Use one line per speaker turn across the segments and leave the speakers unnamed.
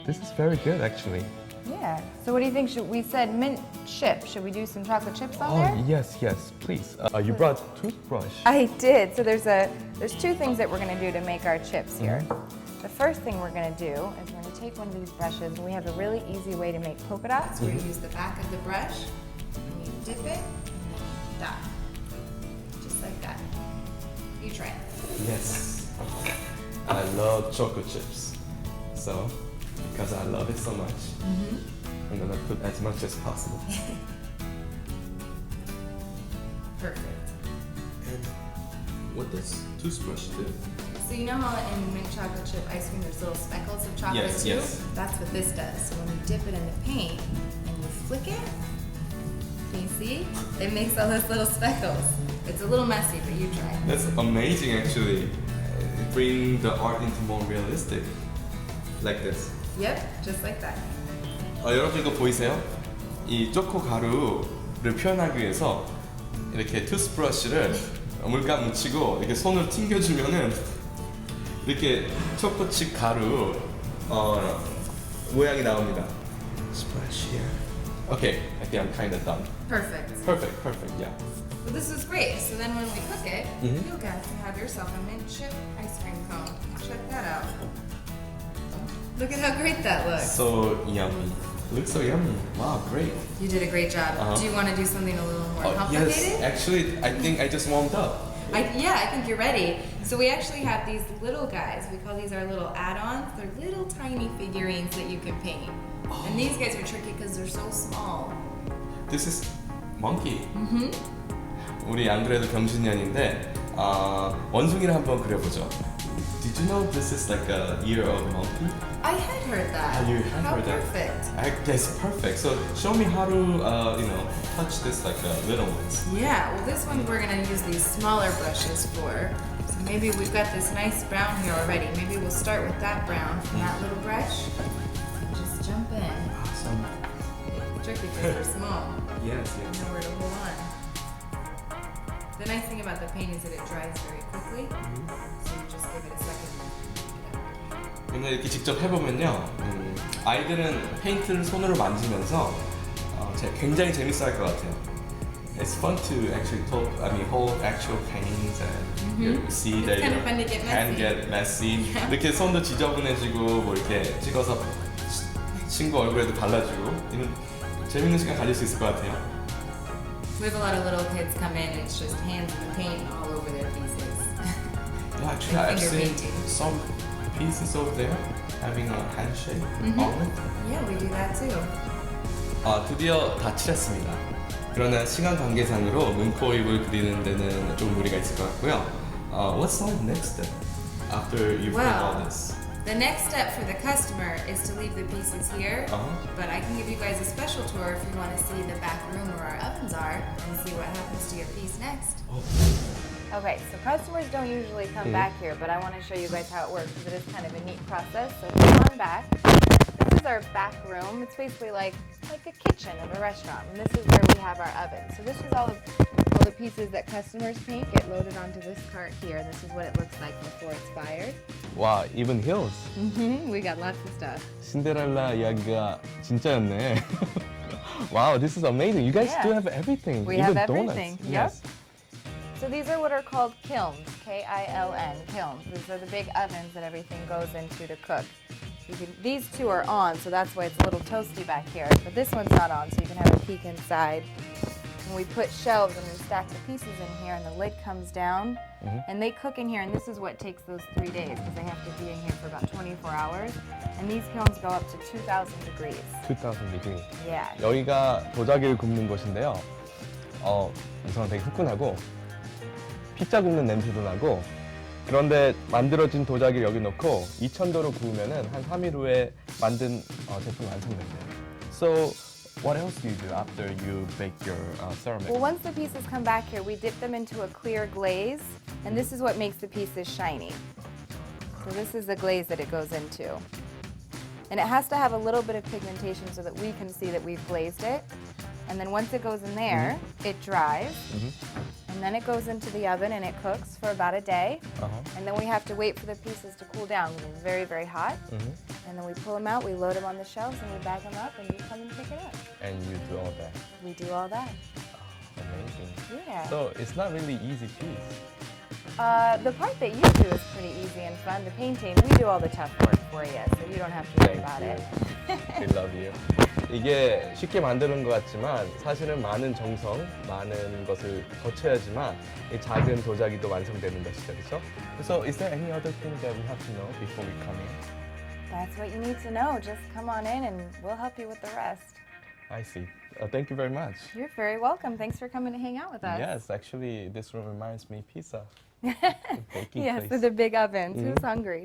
This is very good, actually.
Yeah. So what do you think? We said mint chip. Should we do some chocolate chips on there?
Yes, please. You brought toothbrush.
I did. So there's two things that we're going to do to make our chips here. The first thing we're going to do is we're going to take one of these brushes, and we have a really easy way to make polka dots. We're going to use the back of the brush, and you dip it, and then you dot. Just like that. You try it.
Yes. I love chocolate chips. So, because I love it so much, I'm gonna put as much as possible.
Perfect.
And what does toothbrush do?
So you know how in mint chocolate chip ice cream there's little speckles of chocolate
Yes,
too?
yes.
That's what this does. So when you dip it in the paint and you flick it, can you see? It makes all those little speckles. It's a little messy, but you try.
That's amazing, actually. It brings the art into more realistic. Like this.
Yep, just like that.
여러분 이거 보이세요? 이 초코 가루를 표현하기 위해서 이렇게 투스브러쉬를 물감 묻히고 이렇게 손으로 튕겨주면은 이렇게 초코칩 가루 모양이 나옵니다. Splash here. Okay, I think I'm kind of done.
Perfect.
Perfect, yeah.
Well, this is great. So then when we cook it, you'll get to have yourself a mint chip ice cream cone. Check that out. Look at how great that looks.
So yummy. Looks so yummy. Wow, great.
You did a great job. Do you want to do something a little more
Yes,
complicated?
actually, I think I just warmed up.
I think you're ready. So we actually have these little guys. We call these our little add-ons. They're little tiny figurines that you can paint. And these guys are tricky because they're so small.
This is monkey. 우리 안 그래도 병신년인데 원숭이를 한번 그려보죠. Did you know this is like a year of monkey?
I had heard that.
You had
How
heard that?
perfect.
Yes, perfect. So show me how to touch this like little ones.
Yeah, well this one we're going to use these smaller brushes for. So maybe we've got this nice brown here already. Maybe we'll start with that brown from that little brush. And just jump in.
Awesome.
Tricky because they're small.
Yes,
You
yes.
know where to hold on. The nice thing about the paint is that it dries very quickly. So you just give it a second.
근데 이렇게 직접 해보면요, 아이들은 페인트를 손으로 만지면서 굉장히 재밌어할 것 같아요. It's fun to actually hold actual paints and you see that
kind of
your
fun to get
hand
messy.
get messy. 이렇게 손도 지저분해지고 뭐 이렇게 찍어서 친구 얼굴에도 발라주고 이런 재밌는 시간 가질 수 있을 것 같아요.
We have a lot of little kids come in and it's just hands in the paint all over their pieces.
Yeah, actually,
Like
I've
finger
seen
painting.
some pieces over there having a handshake on it.
Yeah, we do that too.
드디어 다 칠했습니다. 그러나 시간 관계상으로 눈, 코, 입을 그리는 데는 좀 무리가 있을 것 같고요. What's the next step after you've done all this?
The next step for the customer is to leave the pieces here, but I can give you guys a special tour if you want to see the back room where our ovens are and see what happens to your piece next. Okay, so customers don't usually come back here, but I want to show you guys how it works because it is kind of a neat process. So come on back. This is our back room. It's basically like a kitchen of a restaurant, and this is where we have our oven. So this is all the pieces that customers paint get loaded onto this cart here. This is what it looks like before it's fired.
Wow, even hills.
We got lots of stuff.
신데렐라 이야기가 진짜였네. Wow, this is amazing. You guys
Yeah.
do have everything.
We
even
have
donuts.
everything.
Yes.
So these are what are called kilns, K-I-L-N, kilns. These are the big ovens that everything goes into to cook. These two are on, so that's why it's a little toasty back here. But this one's not on, so you can have a peek inside. And we put shelves and we stack the pieces in here, and the lid comes down. And they cook in here, and this is what takes those 3 days, because they have to be in here for about 24 hours. And these kilns go up to 2,000 degrees.
2,000 degree.
Yeah.
여기가 도자기를 굽는 곳인데요. 우선 되게 후끈하고 피자 굽는 냄새도 나고 그런데 만들어진 도자기를 여기 넣고 2,000도로 구우면은 한 3일 후에 만든 제품 완성된대요. So what else do you do after you bake your ceramic?
Well, once the pieces come back here, we dip them into a clear glaze, and this is what makes the pieces shiny. So this is the glaze that it goes into. And it has to have a little bit of pigmentation so that we can see that we've glazed it. And then once it goes in there, it dries. And then it goes into the oven and it cooks for about a day. And then we have to wait for the pieces to cool down because it's very, very hot. And then we pull them out, we load them on the shelves, and we bag them up, and you come and pick it up.
And you do all that.
We do all that.
Amazing.
Yeah.
So it's not really easy piece.
The part that you do is pretty easy and fun. The painting, we do all the tough work for you, so you don't have to worry about it.
We love you. 이게 쉽게 만드는 것 같지만 사실은 많은 정성, 많은 것을 거쳐야지만 이 작은 도자기도 완성되는 것이죠, 그렇죠? So, is there any other thing that we have to know before we come in?
That's what you need to know. Just come on in, and we'll help you with the rest.
I see. Thank you very much.
You're very welcome. Thanks for coming to hang out with us.
Yes, actually, this room reminds me pizza.
Yes, with the big ovens. Who's hungry?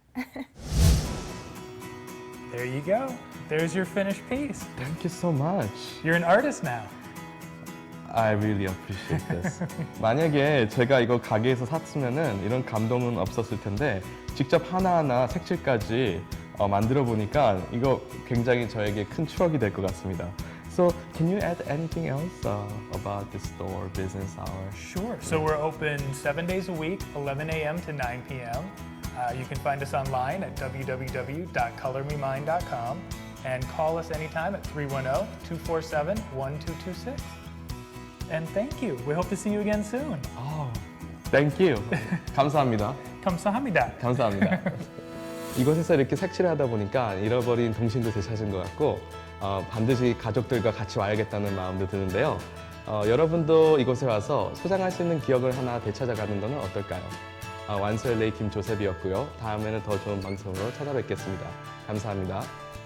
There you go. There's your finished piece.
Thank you so much.
You're an artist now.
I really appreciate this. 만약에 제가 이거 가게에서 샀으면은 이런 감동은 없었을 텐데 직접 하나하나 색칠까지 만들어 보니까 이거 굉장히 저에게 큰 추억이 될 것 같습니다. So, can you add anything else about the store business hours?
Sure. So we're open 7 days a week, 11 a.m. to 9 p.m. You can find us online at www.colormemind.com and call us anytime at 310-247-1226. And thank you. We hope to see you again soon.
Oh, thank you. 감사합니다.
감사합니다.
감사합니다. 이곳에서 이렇게 색칠을 하다 보니까 잃어버린 동심도 되찾은 것 같고 반드시 가족들과 같이 와야겠다는 마음도 드는데요. 여러분도 이곳에 와서 소장할 수 있는 기억을 하나 되찾아가는 것은 어떨까요? 완소 LA 김조셉이었고요. 다음에는 더 좋은 방송으로 찾아뵙겠습니다. 감사합니다.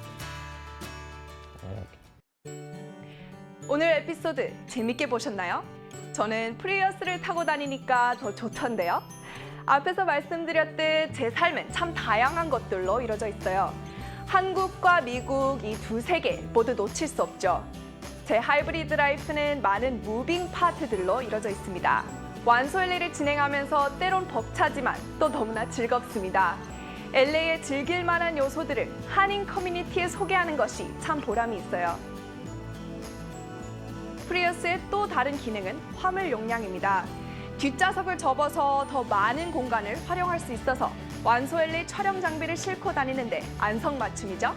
오늘 에피소드 재밌게 보셨나요? 저는 프리우스를 타고 다니니까 더 좋던데요. 앞에서 말씀드렸듯 제 삶은 참 다양한 것들로 이루어져 있어요. 한국과 미국 이 두 세계 모두 놓칠 수 없죠. 제 하이브리드 라이프는 많은 무빙 파트들로 이루어져 있습니다. 완소 LA를 진행하면서 때론 벅차지만 또 너무나 즐겁습니다. LA의 즐길 만한 요소들을 한인 커뮤니티에 소개하는 것이 참 보람이 있어요. 프리우스의 또 다른 기능은 화물 용량입니다. 뒷좌석을 접어서 더 많은 공간을 활용할 수 있어서 완소 LA 촬영 장비를 싣고 다니는데 안성맞춤이죠.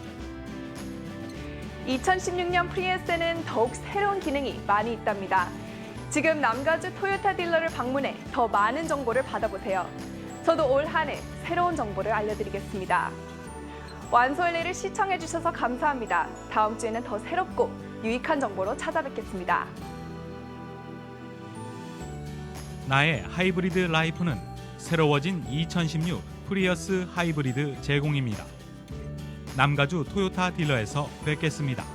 2016년 프리우스에는 더욱 새로운 기능이 많이 있답니다. 지금 남가주 토요타 딜러를 방문해 더 많은 정보를 받아보세요. 저도 올 한 해 새로운 정보를 알려드리겠습니다. 완소 LA를 시청해주셔서 감사합니다. 다음 주에는 더 새롭고 유익한 정보로 찾아뵙겠습니다.
나의 하이브리드 라이프는 새로워진 2016 프리우스 하이브리드 제공입니다. 남가주 토요타 딜러에서 뵙겠습니다.